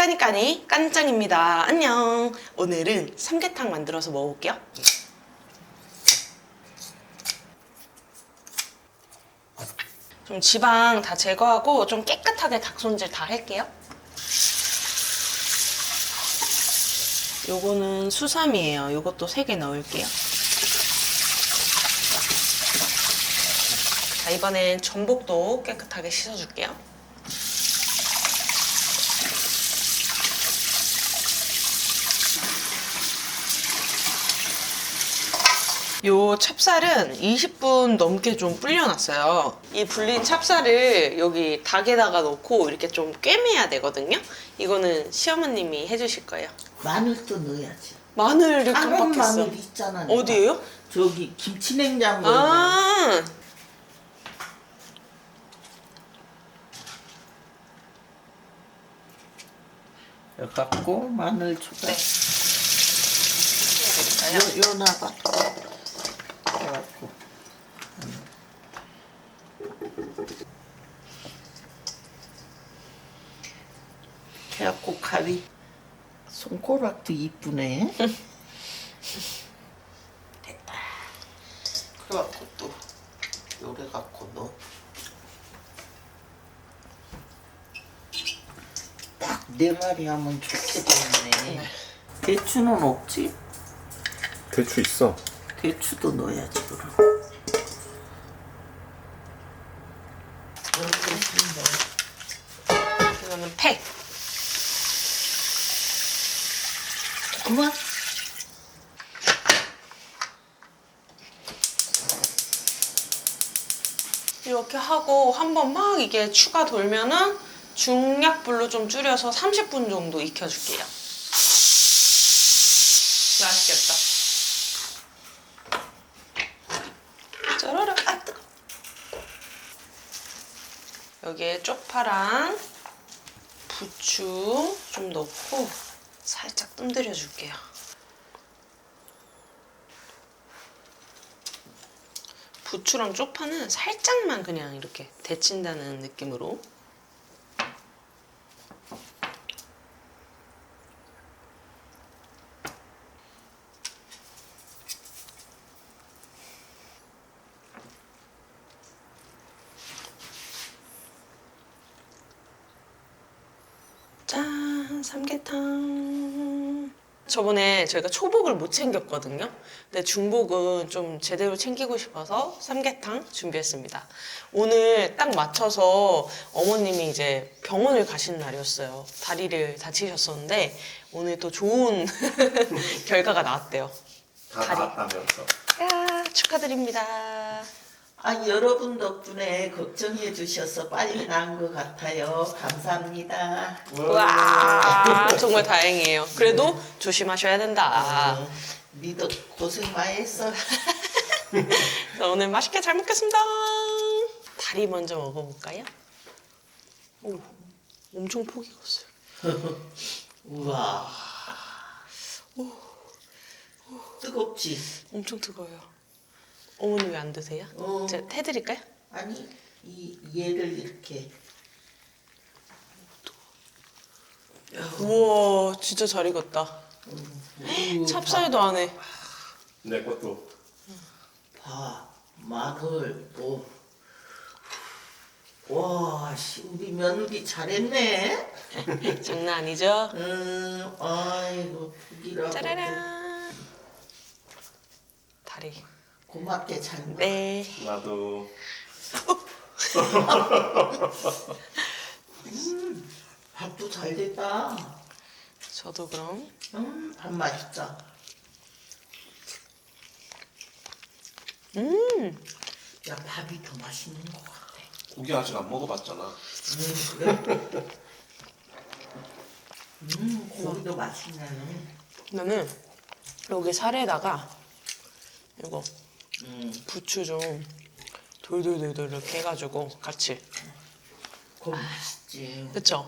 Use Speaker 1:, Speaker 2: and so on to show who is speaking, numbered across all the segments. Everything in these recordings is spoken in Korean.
Speaker 1: 까니까니 깐짱입니다. 안녕. 오늘은 삼계탕 만들어서 먹어볼게요. 좀 지방 다 제거하고 좀 깨끗하게 닭 손질 다 할게요. 요거는 수삼이에요. 요것도 3개 넣을게요. 자, 이번엔 전복도 깨끗하게 씻어줄게요. 요 찹쌀은 20분 넘게 좀 불려놨어요. 이 불린 찹쌀을 여기 닭에다가 넣고 이렇게 좀 꿰매야 되거든요. 이거는 시어머님이 해주실 거예요.
Speaker 2: 마늘도 넣어야지.
Speaker 1: 마늘을
Speaker 2: 다른
Speaker 1: 깜빡했어.
Speaker 2: 마늘 있잖아. 내가.
Speaker 1: 어디에요?
Speaker 2: 저기 김치냉장고에.
Speaker 1: 아,
Speaker 2: 갖고 마늘 초다.
Speaker 1: 네.
Speaker 2: 요 나가. 해갖고. 해갖고 가위. 손가락도 이쁘네. 됐다. 그래갖고 또 요래 갖고 넣어. 딱 4마리 하면 좋게 되네. 대추는 없지?
Speaker 3: 대추 있어.
Speaker 2: 대추도 넣어야지 그럼.
Speaker 1: 이거는 팩.
Speaker 2: 그만.
Speaker 1: 이렇게 하고 한번 막 이게 추가 돌면은 중약불로 좀 줄여서 30분 정도 익혀줄게요. 맛있겠다. 짜라라. 아, 뜨거. 여기에 쪽파랑 부추 좀 넣고 살짝 뜸들여 줄게요. 부추랑 쪽파는 살짝만 그냥 이렇게 데친다는 느낌으로. 짠! 삼계탕. 저번에 저희가 초복을 못 챙겼거든요. 근데 중복은 좀 제대로 챙기고 싶어서 삼계탕 준비했습니다. 오늘 딱 맞춰서 어머님이 이제 병원을 가신 날이었어요. 다리를 다치셨었는데 오늘 또 좋은 결과가 나왔대요.
Speaker 3: 다
Speaker 1: 다리.
Speaker 3: 나왔다면서.
Speaker 1: 야, 축하드립니다.
Speaker 2: 아, 여러분 덕분에 걱정해 주셔서 빨리 나은 것 같아요. 감사합니다.
Speaker 1: 와, 정말 다행이에요. 그래도 조심하셔야 된다.
Speaker 2: 니도 고생 많이 했어.
Speaker 1: 자, 오늘 맛있게 잘 먹겠습니다. 다리 먼저 먹어볼까요? 오, 엄청 폭이 컸어요.
Speaker 2: 우와. 뜨겁지?
Speaker 1: 엄청 뜨거워요. 어머니 왜 안 드세요?
Speaker 2: 어.
Speaker 1: 제가 해드릴까요?
Speaker 2: 아니, 얘를 이렇게.
Speaker 1: 우와, 진짜 잘 익었다. 찹쌀도 안 해.
Speaker 3: 내 것도.
Speaker 2: 봐, 마늘 또. 와, 씨, 우리 며느리 잘했네.
Speaker 1: 장난 아니죠?
Speaker 2: 아이고, 북이라고.
Speaker 1: 짜라란. 다리.
Speaker 2: 고맙게 잘 먹어.
Speaker 1: 네.
Speaker 3: 나도.
Speaker 2: 밥도 잘 됐다.
Speaker 1: 저도 그럼.
Speaker 2: 밥 맛있다. 야, 밥이 더 맛있는 것 같아.
Speaker 3: 고기 아직 안 먹어봤잖아.
Speaker 2: 그래? 고기도 맛있네.
Speaker 1: 나는 여기 살에다가 이거 부추 좀 돌돌돌돌 이렇게 해가지고 같이.
Speaker 2: 고기 맛있지.
Speaker 1: 그쵸?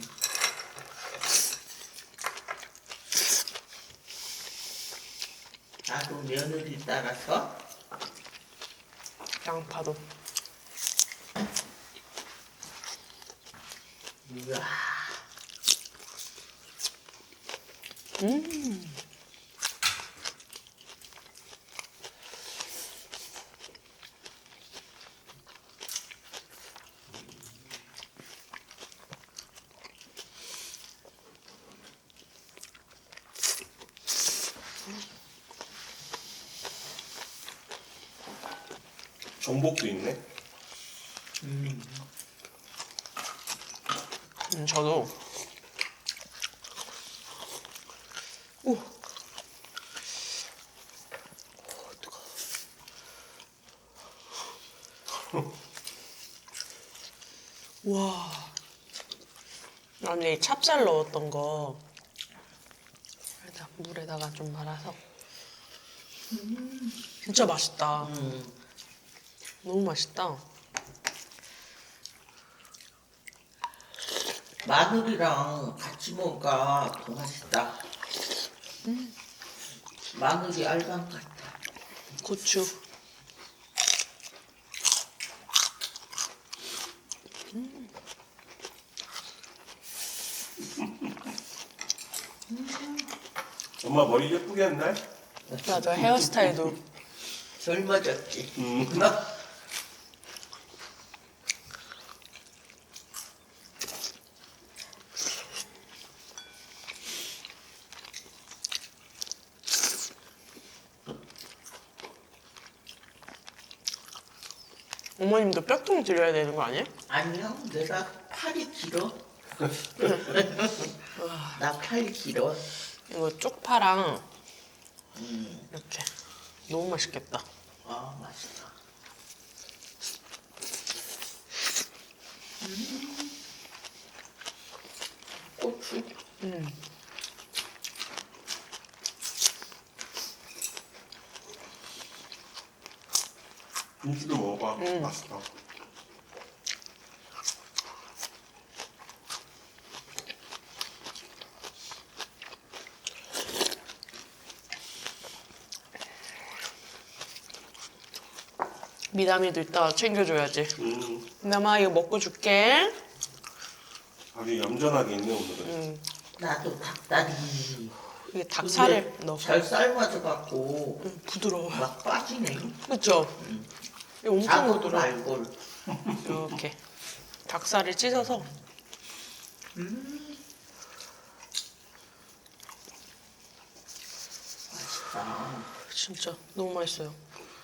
Speaker 2: 나도 며느리 따라서
Speaker 1: 양파도.
Speaker 2: 이야.
Speaker 3: 전복도 있네.
Speaker 1: 저도. 오. 와. 아니 찹쌀 넣었던 거 물에다가 좀 말아서. 진짜 맛있다. 너무 맛있다.
Speaker 2: 마늘이랑 같이 먹으니까 더 맛있다. 마늘이 알감 같아.
Speaker 1: 고추.
Speaker 3: 엄마 머리 예쁘게 했네.
Speaker 1: 맞아, 헤어스타일도.
Speaker 2: 젊어졌지.
Speaker 1: 어머님도 뼈통 드려야 되는 거 아니에요?
Speaker 2: 아니요, 내가 팔이 길어. 나 팔이 길어.
Speaker 1: 이거 쪽파랑 이렇게. 너무 맛있겠다.
Speaker 2: 아, 맛있다. 고추.
Speaker 3: 김치도 먹어봐. 맛있다.
Speaker 1: 미담이도 이따 챙겨줘야지. 미담아 이거 먹고 줄게.
Speaker 3: 아주 얌전하게 있네 오늘은.
Speaker 2: 나도 닭다리.
Speaker 1: 이게 닭살을 넣어.
Speaker 2: 잘 삶아져갖고
Speaker 1: 부드러워.
Speaker 2: 막 빠지네.
Speaker 1: 그쵸? 이거 엄청
Speaker 2: 자고도
Speaker 1: 부드러워.
Speaker 2: 알골.
Speaker 1: 이렇게 닭살을 찢어서.
Speaker 2: 맛있다.
Speaker 1: 진짜 너무 맛있어요.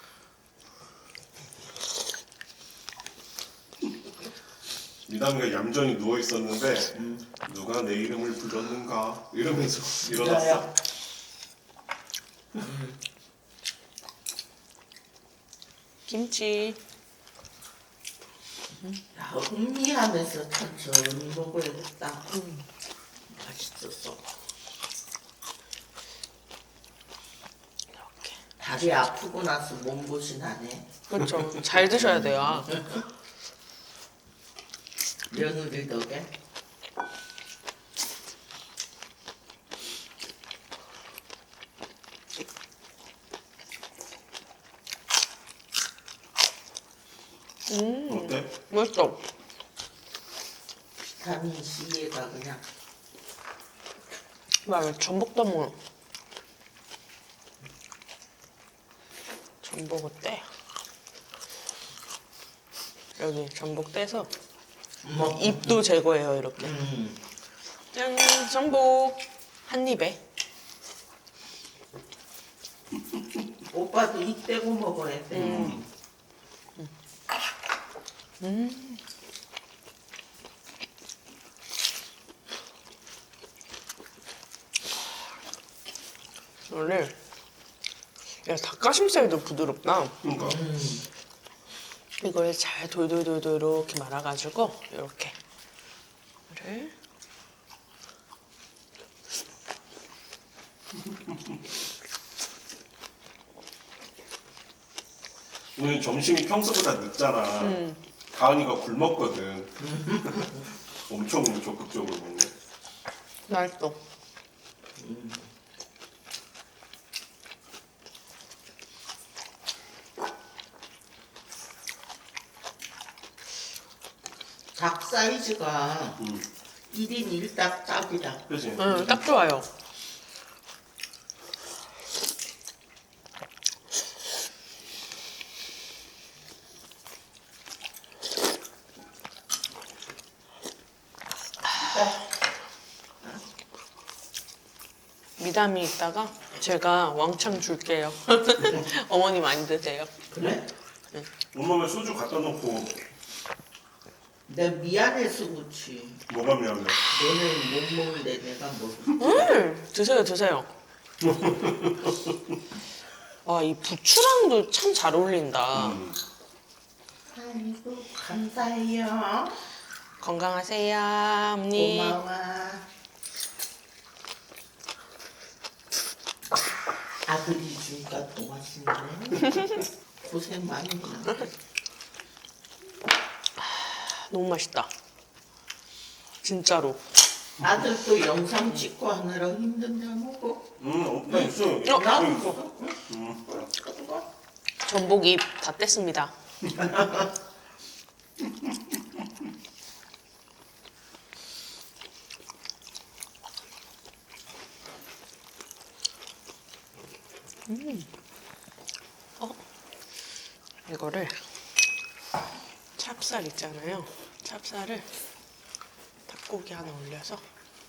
Speaker 3: 미담이가 얌전히 누워 있었는데 누가 내 이름을 불렀는가 이러면서 일어났어.
Speaker 1: 김치.
Speaker 2: 야, 음미하면서 천천히 먹어야겠다. 맛있었어.
Speaker 1: 이렇게.
Speaker 2: 다리 아프고 나서 몸보신 하네.
Speaker 1: 그렇죠. 잘 드셔야 돼요.
Speaker 2: 며느리 덕에.
Speaker 3: 어때?
Speaker 1: 맛있어.
Speaker 2: 비타민 C에다 그냥.
Speaker 1: 막 전복도 먹어. 전복을 떼. 여기 전복 떼서 잎도 제거해요 이렇게. 짠, 전복 한 입에.
Speaker 2: 오빠도 이 떼고 먹어야 돼.
Speaker 1: 원래 야 닭가슴살도 부드럽다.
Speaker 3: 그러니까
Speaker 1: 이걸 잘 돌돌돌돌 이렇게 말아가지고 이렇게 를
Speaker 3: 오늘 점심이 평소보다 늦잖아. 가은이가 굶었거든. 엄청 적극적으로 먹네.
Speaker 1: 맛있어.
Speaker 2: 닭 사이즈가 1인 1닭 딱이다.
Speaker 3: 그지?
Speaker 1: 딱 좋아요. 미담이 있다가 제가 왕창 줄게요. 어머니 많이 드세요.
Speaker 2: 그래?
Speaker 3: 엄마 소주 갖다 놓고
Speaker 2: 내가 미안해서 그렇지.
Speaker 3: 뭐가 미안해?
Speaker 2: 너는 못 먹는데 내가 먹을.
Speaker 1: 드세요, 드세요. 와, 이 부추랑도 참 잘 어울린다.
Speaker 2: 아이고 감사해요.
Speaker 1: 건강하세요, 어머니.
Speaker 2: 고마워. 아들이 주니까 더 맛있네. 고생 많이 했나?
Speaker 1: 너무 맛있다. 진짜로.
Speaker 2: 아들도 영상 찍고 하느라 힘든데 뭐고?
Speaker 3: 나 있어요.
Speaker 2: 나도
Speaker 3: 있어.
Speaker 1: 전복이 다 뗐습니다. 이거를 찹쌀 있잖아요. 찹쌀을 닭고기 하나 올려서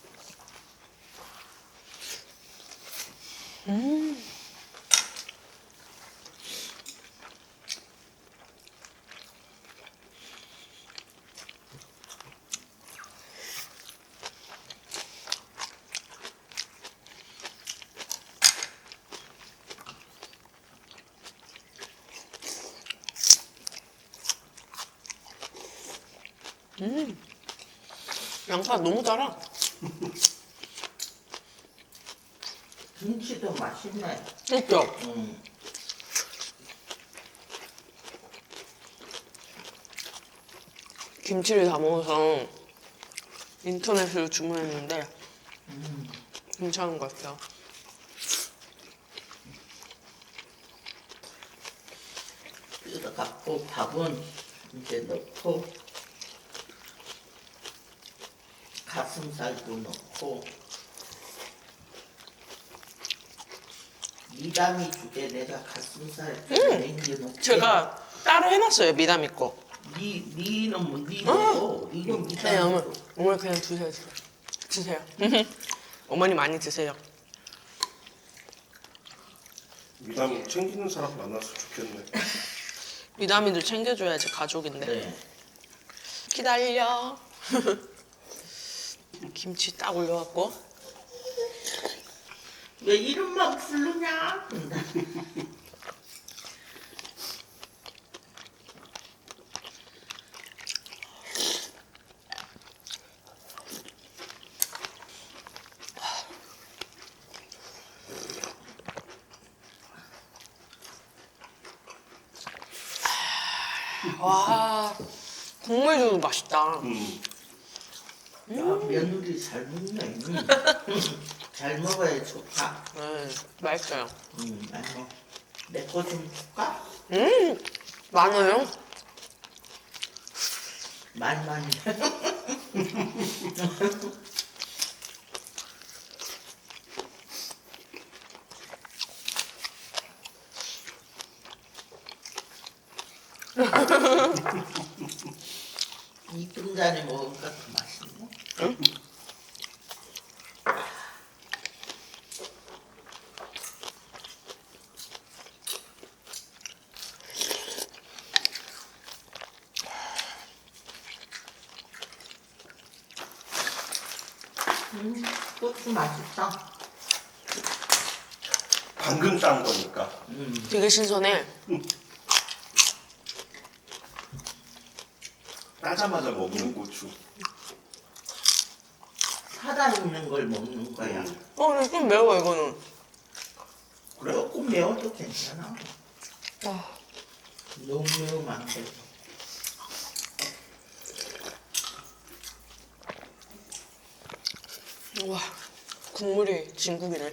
Speaker 1: 양파 너무 달아.
Speaker 2: 김치도 맛있네.
Speaker 1: 그죠? 김치를 다 먹어서 인터넷으로 주문했는데 괜찮은 것 같아요.
Speaker 2: 뜯어갖고 밥은 이제 넣고 가슴살도 넣고 미담이 주게 내가 가슴살 남겨놓고
Speaker 1: 제가 따로 해놨어요, 미담이 거.
Speaker 2: 니는 뭐 니고 이거
Speaker 1: 네, 어머니.
Speaker 2: 미담이
Speaker 1: 어머니 그냥 드세요, 드세요. 드세요. 어머니 많이 드세요.
Speaker 3: 미담 챙기는 사람 만나서 좋겠네.
Speaker 1: 미담이도 챙겨줘야지, 가족인데.
Speaker 2: 네.
Speaker 1: 기다려. 김치 딱 올려갖고.
Speaker 2: 왜 이름만 부르냐?
Speaker 1: 와, 국물도 맛있다.
Speaker 2: 야, 며느리 잘 먹네. 잘 먹어야 좋다.
Speaker 1: 맛있어요.
Speaker 2: 맛있어. 내 거 좀 줄까?
Speaker 1: 많아요?
Speaker 2: 많이. 이 등잔에 먹으니까 더 맛있네. 고추 맛있다.
Speaker 3: 방금 딴 거니까.
Speaker 1: 되게 신선해.
Speaker 3: 따자마자 먹는 고추.
Speaker 2: 살아있는 걸 먹는 거야.
Speaker 1: 근데 좀 매워, 이거는.
Speaker 3: 그래?
Speaker 2: 조금 매워도 괜찮아.
Speaker 1: 아,
Speaker 2: 너무 매우면 안 돼.
Speaker 1: 와, 국물이 진국이네.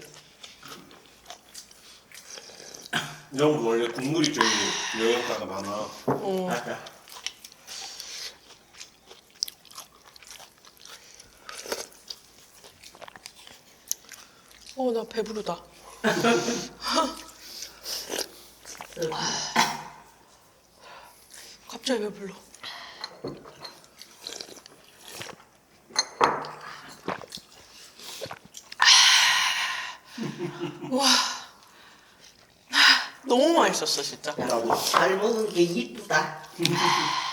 Speaker 3: 이런 거 원래 국물이 제일 영양가가 많아.
Speaker 2: 맞아.
Speaker 1: 나 배부르다. 갑자기 배불러. 너무 맛있었어 진짜.
Speaker 2: 잘 먹은 게 이쁘다.